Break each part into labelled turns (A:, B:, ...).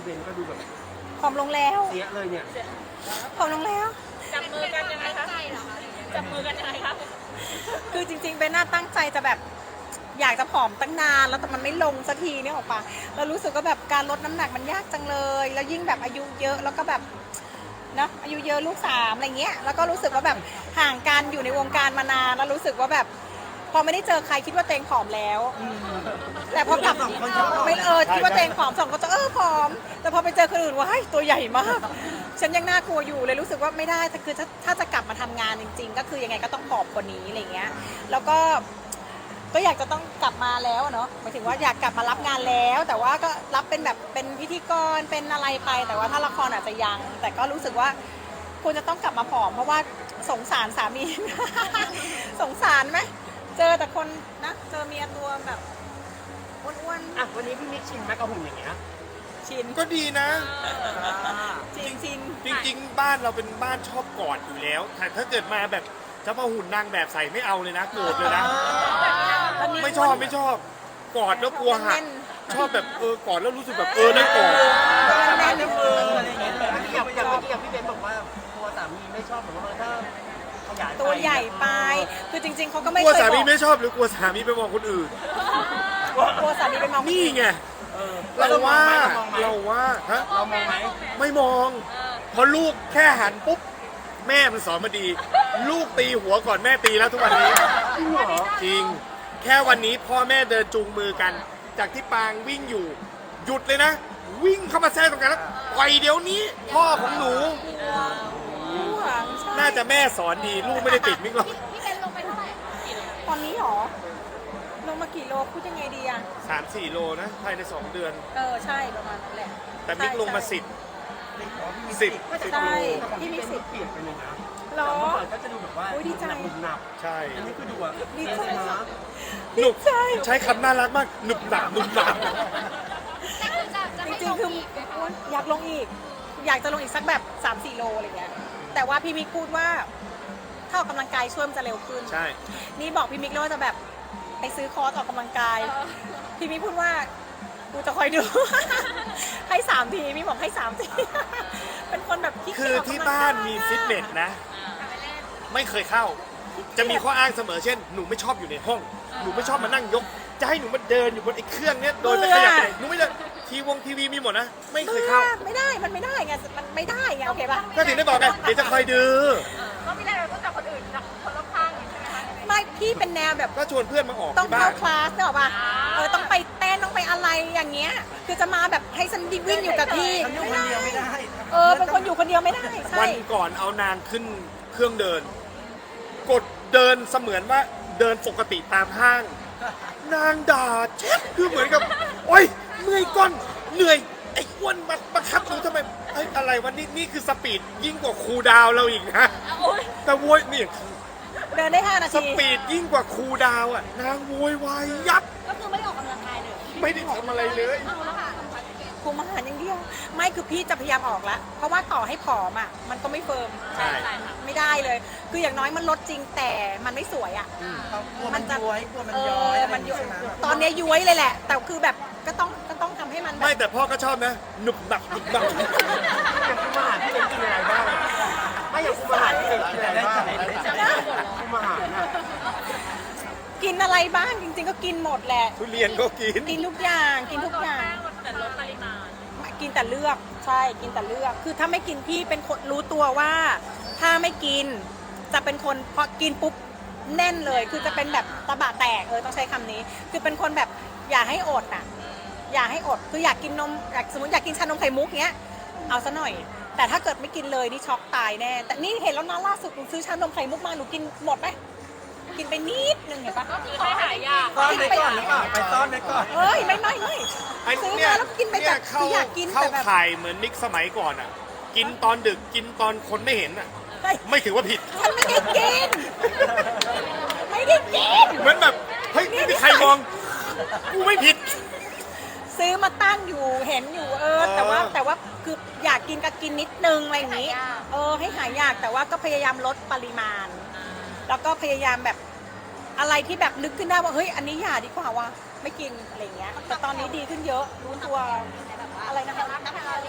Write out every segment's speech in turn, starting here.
A: พี่เบนก็ดูแบบ
B: ผอมลงแล้ว
A: เสียเลยเนี่ย
B: ผอมลงแล้ว
C: จับมือกันยังไงคะจับมือกันยังไงคะ
B: คือจริงๆเบนน่าตั้งใจจะแบบอยากจะผอมตั้งนานแล้วแต่มันไม่ลงสักทีเนี่ยออกปะแล้วรู้สึกว่าแบบการลดน้ำหนักมันยากจังเลยแล้วยิ่งแบบอายุเยอะแล้วก็แบบนะอายุเยอะลูก3อะไรเงี้ยแล้วก็รู้สึกว่าแบบห่างกันอยู่ในวงการมานานแล้วรู้สึกว่าแบบพอไม่ได้เจอใครคิดว่าเตงผอมแล้วแต่พอกลับไม่คิดว่าเตงผอม2 คนจะผอมแต่พอไปเจอคนอื่นว้ายตัวใหญ่มากฉันยังน่ากลัวอยู่เลยรู้สึกว่าไม่ได้คือถ้าจะกลับมาทำงานจริงๆก็คือยังไงก็ต้องผอมกว่านี้อะไรเงี้ยแล้วก็อยากจะต้องกลับมาแล้วเนาะหมายถึงว่าอยากกลับมารับงานแล้ว แต่ว่าก็รับเป็นแบบเป็นพิธีกรเป็นอะไรไปแต่ว่าถ้าละครอาจจะยังแต่ก็รู้สึกว่าควรจะต้องกลับมาผอมเพราะว่าสงสารสามี สงสารไหมเจอแต่คนนะเจอเมียตัวแบบอ้วน
A: อ่ะวันนี้พี่มิกชินแมกกาหุ่นอย่างเงี้ย
B: ๆชิน
D: ก็ดีนะ
B: จริงจริง
D: จริงๆบ้านเราเป็นบ้านชอบกอดอยู่แล้วแต่ถ้าเกิดมาแบบจะมาหุ่นนางแบบใส่ไม่เอาเลยนะโกรธเลยนะไม่ชอบกอดแล้วกลัวหักชอบแบบกอดแล้วรู้สึกแบบได้กอด
A: แม่ในมืออะไรอย่างเงี้ยอย่างเมื่อกี้พี่เบนบอกว่าตัวสามีไม่ชอบแบบว่าถ้าขยาย
B: ตัวใหญ่ไปคือจริงๆเขาก็ไม่
D: กลัว
B: เคย
D: สา
B: บ
D: มี
B: อก
D: ไม่ชอบหรือกลัวสามีไปมองคนอื่น
B: กลัวสามีไปมอง
D: นี่ไงเราว่าฮะ
A: เรามองไหม
D: ไม่มองพอลูกแค่หันปุ๊บแม่มันสอนมาดี ลูกตีหัวก่อนแม่ตีแล้วทุกวันนี้
A: จริงเหรอ
D: จริงแค่วันนี้พ่อแม่เดินจูงมือกัน จากที่ปางวิ่งอยู่หยุดเลยนะ วิ่งเข้ามาแทรกตรงกันแล้วปล่อยเดี๋ยวนี้ พ่อของหนู
B: หวังใช่
D: น่าจะแม่สอนดีลูกไม่ได้ติดมิกหรอก
C: พี่เบนลงไปเท่าไหร่
B: ตอนนี้หรอลงมากี่โลพูดยังไงดีอะ
D: 3-4 โลนะภายใน2 เดือน
B: ใช่ประมาณนั้นแหละ
D: แต่มิกลงมา10
B: ใช่พี่มีสิทธิ์
A: เปลี่ยนไปเลยนะ
B: หรอ
A: เมื่อก่อนก็จะดูแบบว่า
B: โอ้ยดีใจ
A: หนัก
D: ใช่
A: อันนี้คือดูอ่ะ
B: ดีใจ
A: นะ
D: หนุบ
B: ใช่
D: ใช้คำน่ารักมากหนุบหนับหนุบหนับ
C: จะ
B: จ
C: ให้
B: ริง
C: ล
B: ๆคือ
C: อีกไหมคะ
B: อยากลงอีก อยากจะลงอีกสักแบบ 3-4 โลอะไรเงี้ยแต่ว่าพี่มิกพูดว่าถ้าออกกำลังกายช่วยมันจะเร็วขึ้น
D: ใช่
B: นี่บอกพี่มิกเลยว่าจะแบบไปซื้อคอร์สออกกำลังกาย พี่มิกพูดว่ากูจะคอยดู ให้3 ทีพี่บอกให้3 ที เป็นคนแบบขี้
D: คื
B: เกียจ
D: อ
B: ออกกำลังกย
D: ที่บ้านมีฟิตเนสนะ ไม่เคยเข้า จะมีข้ออ้างเสมอเช่น หนูไม่ชอบอยู่ในห้อง หนูไม่ชอบมานั่งยก จะให้หนูมาเดินอยู่บนไอ้เครื่องเนี้ยโดยไม่ขยับไปไหนหนูไม่เดินทีวีมีหมดนะ ไม่เคยเข้า
B: ไม่ได้มันไม่ได้ไงมันไม่ได้ไงโอเคป่ะ
D: ก็ถึงได้บอกไงเดี๋ยวจะคอยดู
C: ก็ไม่ได้เราต้องจากคนอื่นจากคนรอบข้างอย่างนี้ใช่ไหมคะ
B: ไม่พี่เป็นแนวแบบ
D: ก็ชวนเพื่อนมาออก
B: ต้อง
D: ที่บ้า
B: เข้าน คลาสเนอะป่ะต้องไปเต้นต้องไปอะไรอย่างเงี้ยคือจะมาแบบให้ฉันวิ่งอยู่กับที่
A: ฉันอยู่คนเดียวไม่ได้
B: เป็นคนอยู่คนเดียวไม่ได้ใช่
D: วันก่อนเอานางขึ้นเครื่องเดิน กดเดินเสมือนว่าเดินปกติตามห้าง นางด่าเช็ดคือเหมือนกับ โอ๊ยเมื่อยก้อนเหนื่อยไอ้อ้วนมาบังคับหนูทำไมไอ้อะไรวะนี่คือสปีดยิ่งกว่าครูดาวเราอีกนะแต่โวยนี่
B: เดินได้5 นา
D: ส
B: ที
D: ปีดยิ่งกว่าครูดาวอ่ะนางโวยวายยับ
C: ก็คือไม่ได้ออกกำลังกายเลย
D: ไม่ได้ทำอะไรเลย
C: เอาแล้วค่ะทำพัฒน์เกต
B: คุมอาหารอย่างเดียวไม่คือพี่จะพยายามออกแล้วเพราะว่าต่อให้ผอมอ่ะมันก็ไม่เฟิร์ม
D: ใช่
B: ไม่ได้เลย คืออย่างน้อยมันลดจริงแต่มันไม่สวยอ่ะ
A: กลัวมันย้อยกลัวมันย้อยอะไร
B: มัน
A: อ
B: ย้
A: ย่าง
B: อย
A: งี้ใช่ไหม
B: ตอนเนี้ยย้วยเลยแหละ แต่คือแบบก็ต้องทำให้มันแบ
D: ไม่
B: บ
D: แต่พ่อก็ชอบนะหนุบหนับหนุบหนับ
A: อย่างคุมอาหารพี่เป็นกินอะไรบ้างไม่อย่างคุมอาหารพี่เป็นกินอะไรบ้างคุมอาหารน่ะ
B: กินอะไรบ้างจริงๆก็กินหมดแหละ
D: ทุเรียนก็กิน
B: กินทุกอย่างกินทุกอย่าง
C: แต่ลดปริมาณ
B: กินแต่เลือกใช่กินแต่เลือก คือถ้าไม่กินพี่เป็นคนรู้ตัวว่า ถ้าไม่กินจะเป็นคนพอกินปุ๊บแน่นเลย คือจะเป็นแบบตะบะแตกต้องใช้คำนี้ คือเป็นคนแบบอย่าให้อดอ่ะอย่าให้อดคืออยากกินนมสมมติอยากกินชานมไข่มุกเงี้ยเอาซะหน่อย แต่ถ้าเกิดไม่กินเลยนี่ช็อกตายแน่แต่นี่เห็นแล้วนะล่าสุดหนูซื้อชานมไข่มุกมาหนูกินหมดไหมกินไปนิดนึงเห็นปะ
C: ก็คือให้หายยาก
A: ซ่อนไว้ก่อนหรือเปล่าไปซ่อนไว้ก่อน
B: เอ้ยไม่
D: ไอ้
B: ซื้อ
D: เนี่ย
B: มาแล้วกินไป
D: เนี่
B: แบ
D: ย
B: บ
D: เข้า
B: คืออยากกิน
D: เข้า
B: แต่แบบ
D: ข่ายเหมือนมิกสมัยก่อนอ่ะ กินตอนดึกกินตอนคนไม่เห็นอ่ะ
B: เฮ้ย
D: ไม่ถือว่าผิด
B: ฉันไม่ได้กิน ไม่ได้กิน
D: เหมือนแบบเฮ้ยไม่มีใครมองกูไม่ผิด
B: ซื้อมาตั้งอยู่เห็นอยู่แต่ว่าคืออยากกินก็กินนิดนึงอะไรอย่างนี้ให้หายอยากแต่ว่าก็พยายามลดปริมาณ แล้วก็พยายามแบบอะไรที่แบบนึกขึ้นได้ว่าเฮ้ยอันนี้อย่าดีกว่าว่ะไม่กินอะไรอย่างเงี้ยแต่ตอนนี้ดีขึ้นเยอะรู้ตัวอะไรนะคะ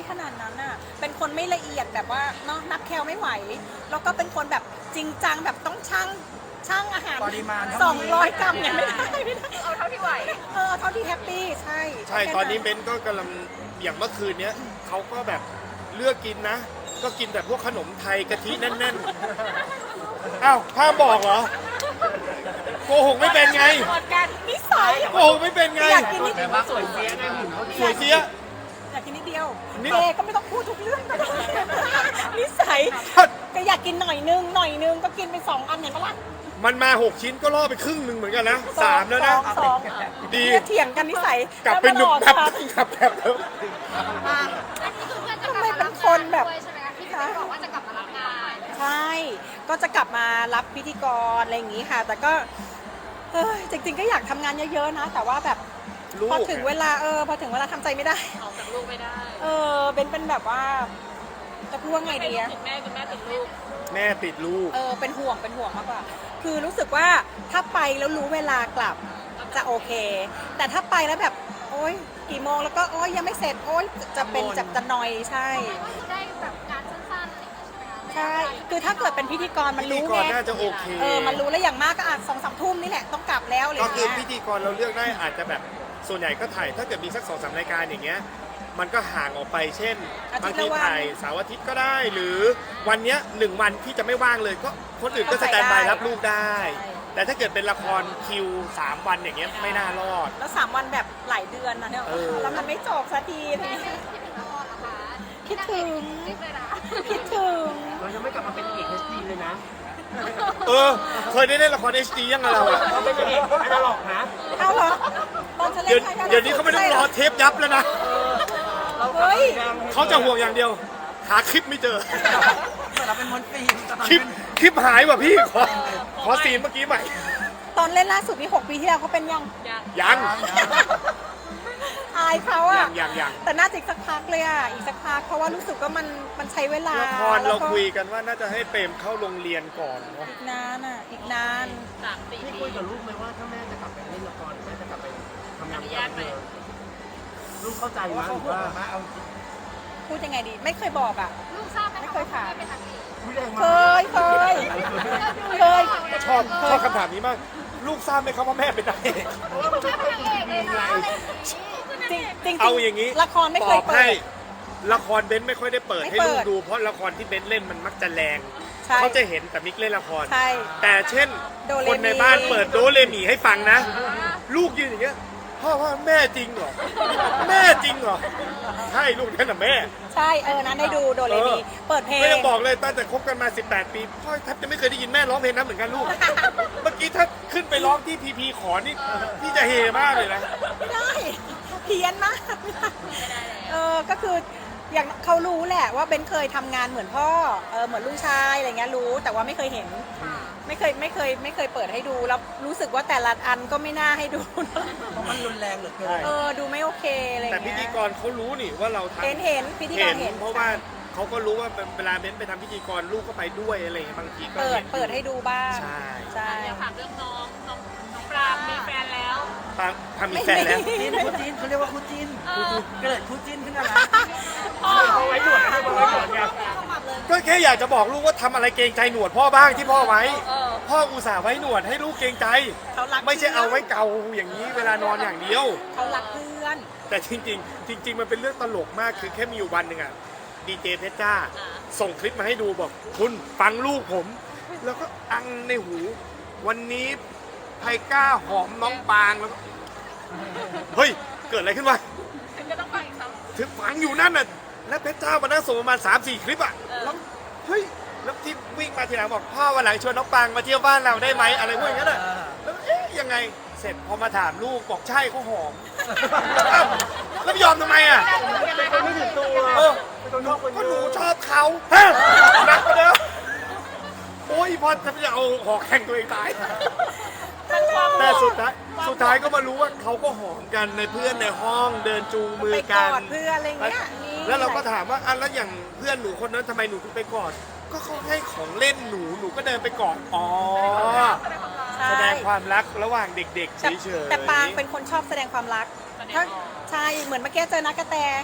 B: ขนาดนั้นน่ะเป็นคนไม่ละเอียดแบบว่าเนาะนับแคลไม่ไหว แล้วก็เป็นคนแบบจริงจังแบบต้องช่างอาหาร
A: ปริมาณเท่านี้
B: 200 กรัมเนี่ยไม่ได้
C: เอาเท่าที่ไหว
B: เท่าที่แฮปปี้ใช่
D: ใช่ตอนนี้เบนก็กำลังอย่างเมื่อคืนเนี้ยเขาก็แบบเลือกกินนะ ก็กินแบบพวกขนมไทยกะทิแน่นๆอ้าวห้ามบอกเหรอโกหกไม่เป็นไง
B: หมดกันนิสัย
D: โกหกไม่เป็นไง
B: อยากกินนิด
A: แต่ว่าสวยเสียไงหุ่นเขาดี
D: สวยเสีย
B: อยากกินนิดเดียว
D: นิด
B: เจก็ไม่ต้องพูดทุกเรื่องก็ได้นิสัยก็อยากกินหน่อยนึงก็กินไป2 อันเห็นปะล่ะ
D: มันมา6 ชิ้นก็ล่อไปครึ่งหนึ่งเหมือนกันนะ3แล้วนะ
B: สอง
D: ดี
B: เนี่ยเถียงกันนิสัย
D: กลับเป็นหนุ่ม
B: แล้ว
D: แบ
B: มา
D: บ
B: หลอก
D: กลับแบบเดิม
C: ทำไมเป็นคนแบบใช่ไหมคะที่พี่บอกว่าจะกลับมารับงาน
B: ใช่ก็จะกลับมารับพิธีกรอะไรอย่างงี้ค่ะ แต่ก็จริงๆก็อยากทำงานเยอะๆนะ แต่ว่าแบบ
D: ลูก
B: พอถึงเวลาพอถึงเวลาทำใจไม่ได้
C: ออกจากลูกไม่ได้
B: เป็นแบบว่าจะพูดว่าไงดีอะ
C: คุณแม่ติดลูก
D: แม่ติดลูก
B: เป็นห่วงมากกว่า คือรู้สึกว่าถ้าไปแล้วรู้เวลากลับจะโอเค แต่ถ้าไปแล้วแบบโอ๊ยกี่โมงแล้วก็โอ๊ยยังไม่เสร็จโอ๊ยจะเป็นจะนอยใช่
C: ก็คือได้แบบงานสั้นๆอะไรอย่างเงี้ยใช่ไหมคะ
B: ใช่ คือถ้าเกิดเป็นพิธีกรมัน
D: พิธี
B: รู้
D: กร
B: ไง
D: น่าจะโอเค
B: มันรู้แล้วอย่างมากก็อาจ2-3 ทุ่มนี่แหละต้องกลับแล้วอะไรอ
D: ก็
B: ย่าง
D: คือ
B: เงี้ย
D: พิธีกรเราเลือกได้อาจจะแบบส่วนใหญ่ก็ถ่ายถ้าเกิดมีสัก2-3 รายการอย่างเงี้ยมันก็ห่างออกไปเช่น
B: อาทิ
D: บา
B: ต
D: ง
B: ย์
D: ที
B: ละวัน
D: ถ่ายเสาร์อาทิตย์ก็ได้ หรือวันเนี้ย1 วันที่จะไม่ว่างเลยก็คนอื่นก็สแตนบายรับลูกได้ แต่ถ้าเกิดเป็นละครคิว3 วันอย่างเงี้ยไม่น่ารอด
B: แล้ว3 วันแบบหลายเดือนนะเนี่ย
D: เออ
B: แล้วมันไม่จบสักที
C: คิดถึงละครเหรอคะ
B: คิดถึง
C: คิดเลยนะ
B: คิดถึง
A: เรายังไม่กลับมาเป็นเอก HD เลยนะ
D: เคยได้เล่นละคร HD ยังไงเราอะ
A: เราเป็นเอกอนาล็อกนะ
B: เอาเหรอตอนฉันเล่
D: เดี๋ย
B: น
D: วนี้เขาไม่ต้องรอเทปยับแล้วนะ
A: เรากลับ
B: เฮ้ย
A: มา
D: เขาจะห่วงอย่างเดียว หาคลิปไม่เจอ
A: เหมือนเราเป็นมนตรีแต่ตอน
D: คลิป
A: เป็น
D: คลิปหายว่ะพี่ขอซีนเมื่อกี้ใหม่
B: ตอนเล่นล่าสุดนี่6 ปีที่แล้วเขาเป็นยัง
D: ยัง
B: อายเขาอะ
D: ยัง
B: แต่น่าจะอีกสักพักเลยอะอีกสักพักเพราะว่ารู้สึกว่ามันใช้เวลา
D: ละคร
B: แล้
D: เรา
B: วก็
D: คุยกันว่าน่าจะให้เปรมเข้าโรงเรียนก่อนเนาะ
B: อีกนานอะอีกนาน
A: พี่คุยกับลูกไหมว่าถ้าแม่จะกลับไปเล่นละครแม่จะกลับไปทำงานกับเธอลูกเข้าใจไหมหรือว่าเอา
B: พูดยังไงดี ไม่เคยบอกอะ
C: ลูกทราบไหม
B: ไม่
C: คะ
B: เคย
C: ว่า
B: ถาม
C: แม่เป็นนักเอก
A: ไม่แรง
B: เค
A: มาก
B: ยเคย
D: ชอบคำถามนี้มาก ลูกทราบไหมครับว่าแม่เป็นนางเอก
C: คุณแม่เป็นนางเอกเลยนะอะไรอย่างงี้
B: จริง
D: เอาอย่างนี้
B: ละครไม่เคย
D: ตอบ
B: เปิ
D: ให้
B: ด
D: ละครเบนซ์ไม่ค่อยได้เปิด
B: ไม่
D: ให้
B: เปิ
D: ลู
B: ด
D: กดูเพราะละครที่เบนซ์เล่นมันมักจะแรง
B: ใช่
D: เขาจะเห็นแต่มิกเล่นละคร
B: ใช่
D: แต่เช่น
B: โดเรมี
D: คนในบ้านเปิดโดเรมีให้ฟังนะ ลูกยืนอย่างเงี้ยพ่อว่าแม่จริงเหรอแม่จริงเหรอใช่ลูกนั่นน่ะแม่
B: ใช่นั้นได้ดูโดเรมีเปิดเพลง
D: ก็ยังบอกเลยตั้งแต่คบกันมา 18 ปีพ่อแทบจะไม่เคยได้ยินแม่ร้องเพลงนั้นเหมือนกันลูก เมื่อกี้ถ้าขึ้นไปร้องที่พีพีขอนี่พี่จะเฮมากเลยนะ
B: ไม่ได้เพี้ยนมากก็คืออย่างเขารู้แหละว่าเบนเคยทำงานเหมือนพ่อเหมือนลูกชายอะไรเงี้ยรู้แต่ว่าไม่เคยเห็น ไม่เคยเปิดให้ดูแล้วรู้สึกว่าแต่ละอันก็ไม่น่าให้ดู
A: เพราะมันรุนแรงเหลือเกิน
B: ดูไม่โอเคอะไร
D: แต่พิ
B: เงี้ย
D: ธีกรเขารู้นี่ว่าเราทำ
B: เห็นพิธีกรเห็น
D: เพราะว่าเขาก็รู้ว่าเวลาเบนซ์ไปทำพิธีกรลูกก็ไปด้วยอะไรอย่างเงี้ยบางทีก็เห็น
B: เปิดให้ดูบ้าง
D: ใช่
B: ใช่
C: อยากถามเรื่องน้องปรางมีแฟนแล้ว
D: ทำมีแฟนแล้ว
A: จิ้นคู่จิ้นเขาเรียกว่าคู่จิ้นเกิดคู่จิ้นขึ้นมาแล้ว
D: ไว้หนวดให้ไว้หนวดไงก็แค่อยากจะบอกลูกว่าทำอะไรเกรงใจหนวดพ่อบ้างที่พ่อไว้ พ่ออุตส่าห์ไว้หนวดให้ลูกเกรงใจ
B: เขารัก
D: ไม่ใช่เอาไว้เกาอย่างนี้เวลานอนอย่างเดียว
B: เขารักเพื่อน
D: แต่จริง ๆ มันเป็นเรื่องตลกมากคือแค่มีอยู่วันหนึ่งอ่ะดีเจเพชรจ้า ส่งคลิปมาให้ดูบอกคุณฟังลูกผม แล้วก็อังในหู วันนี้ไทก้าหอมน้องปางแล้วก็เฮ้ย เกิดอะไรขึ้นวะ
C: คุณจะต้องไปอีกครับ
D: ถึงฟังอยู่นั่นน่ะแล้วเพชรจ้ามานั่งส่งประมาณ 3-4 คลิปอ่ะแล้วเฮ้ยแล้วที่วิ่งมาทีหลังบอกพ่อวันหลังชวนน้องปางมาเที่ยวบ้านเราได้ไหมอะไรพวกอย่างนั้นอ่ะแล้วเอ๊ะยังไงเสร็จพอมาถามลูกบอกใช่เขาหอมอ้าวแล้วไม่ยอมทำไมอ่ะ
A: ไม่ถึงตัว
D: เออ
A: เป็นคนนอกคน
D: ก็
A: เย
D: หนู
A: อะ
D: ชอบเขาฮะหนักกว่าเดิมโอ้ยพอจะเอาหอกแข่งตัวเองตาย แต่สุดท้ายก็มารู้ว่าเขาก็หอมกันในเพื่อนในห้องเดินจูงมือ
B: ไปก
D: กั
B: อน ดเพื่อนอะไรเงี้ยนี่
D: แล้วเราก็ถามว่าอ่ะแล้วอย่างเพื่อนหนูคนนั้นทำไมหนูถึงไปกอด ก็เขาให้ของเล่นหนูก็เดินไปกอด อ๋อ
B: ใช่
D: แสดงความรักระหว่างเด็กๆเฉ
B: แต่
D: ยๆ
B: แต่ปางเป็นคนชอบแสดงความรักถ้าใช่เหมือนเมื่อกี้เจอนักกระแต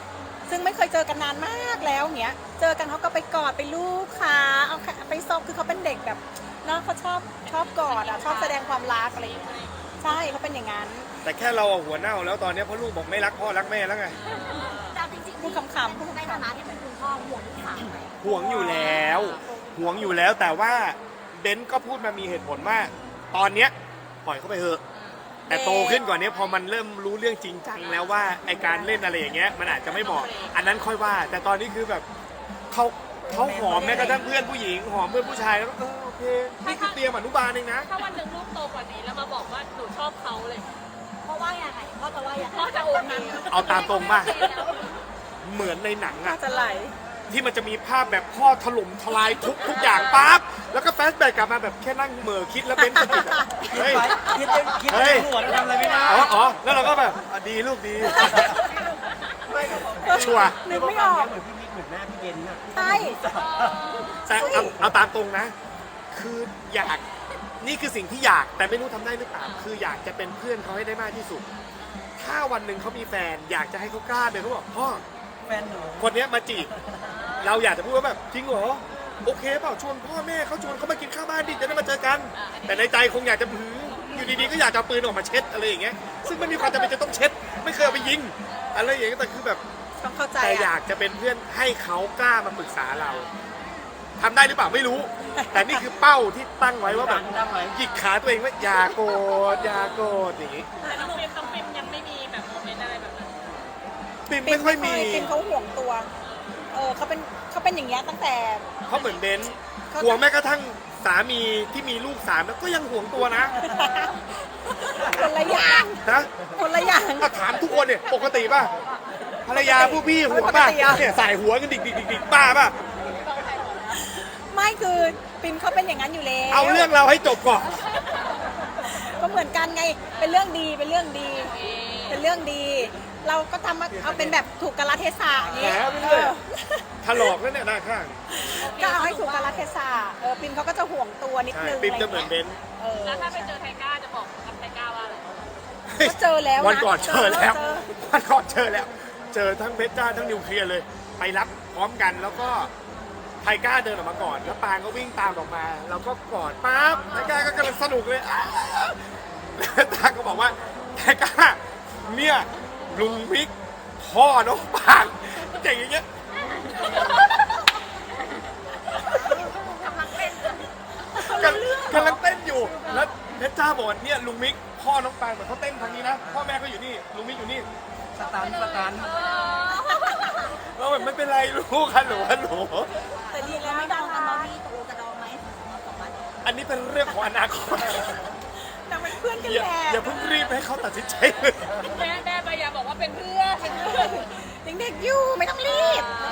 B: ซึ่งไม่เคยเจอกันนานมากแล้วเงี้ยเจอกันเขาก็ไปกอดไปลูบขาเอาไปซบคือเขาเป็นเด็กแบบเนาะเขาชอบกอดอ่ะชอบแสดงความรักอะไรอย่างเงี้ยใช่เขาเป็นอย่างนั้น
D: แต่แค่เราอะหัวเน่าแล้วตอนนี้เพราะลูกบอกไม่รักพ่อรักแม่แล้วไง
C: แต่จริงๆ
B: พูดขำๆพูด
C: ใน
B: ขำ
C: ฐานะที่เป็นคุณพ่อห่วงลูกสาวไหม
D: ห่วงอยู่แล้วห่วงอยู่แล้วแต่ว่าเบนซ์ก็พูดมามีเหตุผลว่าตอนเนี้ยปล่อยเขาไปเถอะแต่โตขึ้นกว่านี้พอมันเริ่มรู้เรื่องจริงจังแล้วว่าไอการเล่นอะไรอย่างเงี้ยมันอาจจะไม่เหมาะอันนั้นค่อยว่า แต่ตอนนี้คือแบบเขาหอมแม้กระทั่งเพื่อนผู้หญิงหอมเพื่อนผู้ชายแล้วก็โอเคนี่คือเตรียมอนุบาลเองนะ
E: ถ้าวันหนึ่งลูกโตกว่านี้แล้วมาบอกว่าหนูชอบเขาเลย
C: เพราะว่ายังไงพ่อจะว่ายังไง
E: พ่อจะโอเค
D: เอาตามตรงป่ะเหมือนในหนัง
B: ๆน่า
D: อะ
B: จะไหล
D: ที่มันจะมีภาพแบบพ่อถล่มทลายทุกอย่างปั๊บแล้วก็แฟลชแบ็กกลับมาแบบแค่นั่งเหม่อคิดแล้วเป็นสติอะเฮ้ย
A: คิดในหัวแล้วทำอะไรไม่ได้
D: อ๋อแล้วเราก็แบบอ่ะดีลูกดี ชัวร์
B: นึกไม่ออก
A: เหมือนพี่มิกเหมือนแม่พี่เบนน่ะ
B: ใช่
D: แต่เอาตามตรงนะ คืออยากนี่คือสิ่งที่อยากแต่ไม่รู้ทำได้หรือเปล่าคืออยากจะเป็นเพื่อนเขาให้ได้มากที่สุด ถ้าวันหนึ่งเขามีแฟน อยากจะให้เขากล้าเดินเขาบอกพ่อ
A: แฟนหนู
D: คนเนี้ยมาจีบเราอยากจะพูดว่าแบบจริงเหรอโอเคเปล่าชวนพ่อแม่เขาชวนเขามากินข้าวบ้านดิจะได้มาเจอกัน แต่ในใจคงอยากจะหืออยู่ดีๆก็อยากจะเอาปืนออกมาเช็ดอะไรอย่างเงี้ยซึ่งไม่มีความจำเป็นจะต้องเช็ด ไม่เคยเอาไปยิงอะไรอย่างเงี้ยแต่คือแบบ
B: ต้องเข้าใจ
D: แต่อ
B: อ่ะ
D: ยากจะเป็นเพื่อนให้เขากล้ามาปรึกษาเราทำได้หรือเปล่าไม่รู้ แต่นี่คือเป้าที่ตั้งไว้ว่าแบบหยิกขาตัวเองว่าอย่าโกรธอย่าโกรธอย่างงี้
E: แต่น้องปิมยังไม่มีแบบโมเมนต์อะไรแบบนั้น
D: ปิมไม่ค่อยมี
B: ปิมเขาห่วงตัวเขาเป็นอย่างเงี้ยตั้งแต่
D: เขาเหมือนเบนซ์ห่วงแม้กระทั่งสามีที่มีลูก3แล้วก็ยังห่วงตัวนะ
B: คนละอย่าง
D: นะ
B: คนละอย่าง
D: ถ้าถามทุกคนเนี่ยปกติป่ะภรรยาผู้พี่ห่วงป่ะ
B: ปกติอะ
D: เนี่ยสายหัวกันดิกป้าป่ะ
B: ไม่คือปิมเขาเป็นอย่างนั้นอยู่แล้ว
D: เอาเรื่องเราให้จบก่อน
B: ก็เหมือนกันไงเป็นเรื่องดีเป็นเรื่องดี เป็นเรื่องดี เราก็ทำเอาเป็นแบบถูกกาลเทศะอย่าง
D: แห
B: นี้
D: มไปเรื่อยถลอกแล้วเนี่ยหน้าข้าง
B: ก็เอาให้ถูกกาลเทศะปิมเขาก็จะห่วงตัวนิด
D: ใช่
B: นึง
D: ปิมจะเหมือนเบนซ์
E: แล้วถ้าไปเจอไทก้าจะบอกกับไทก้าว่าอะไร
B: ก็เจอแล้วะ
D: วันก่อนเจอแล้ว
B: เจอ
D: วันก่อนเจอแล้ว เจอทั้งเพชรจ้าทั้งนิวเคลียร์เลย ไปรับพร้อมกันแล้วก็ไทก้าเดินออกมาก่อน แล้วปางก็วิ่งตามออกมา เราก็กอดปั๊บไทก้าก็กำลังสนุกเลยแล้วตาก็บอกว่าไทก้าเนี่ยลุงมิกพ่อน้องปางเจ๋งอย่างเงี้ย
C: กำลังเป็น
D: กำลังเต้นอยู่ แล้วเพชรจ้าบอกว่าเนี่ยลุงมิกพ่อน้องปางเหมือนเขาเต้นทางนี้นะพ่อแม่ก็อยู่นี่ลุงมิกอยู่นี่
A: สตัน
D: เราแบบไม่เป็นไรลูกฮัลโหลฮัลโหล
B: แต่ดีแล้ว
C: ไม่
B: ไม่
C: ด
B: ดั
C: อง
B: ง
C: กันตอน
B: นะ
C: นี้ตกลงจะดองไหมสองวัน
D: อันนี้เป็นเรื่องของอนาคต
B: นางเป็นเพื่อนกัน
D: อย่า
B: แหละ
D: อย่าเพิ่งรีบให้เขาตัดสินใจเลย
E: แม่ใบยาบอกว่าเป็นเพื่อน
B: ยังเด็กอยู่ไม่ต้องรีบ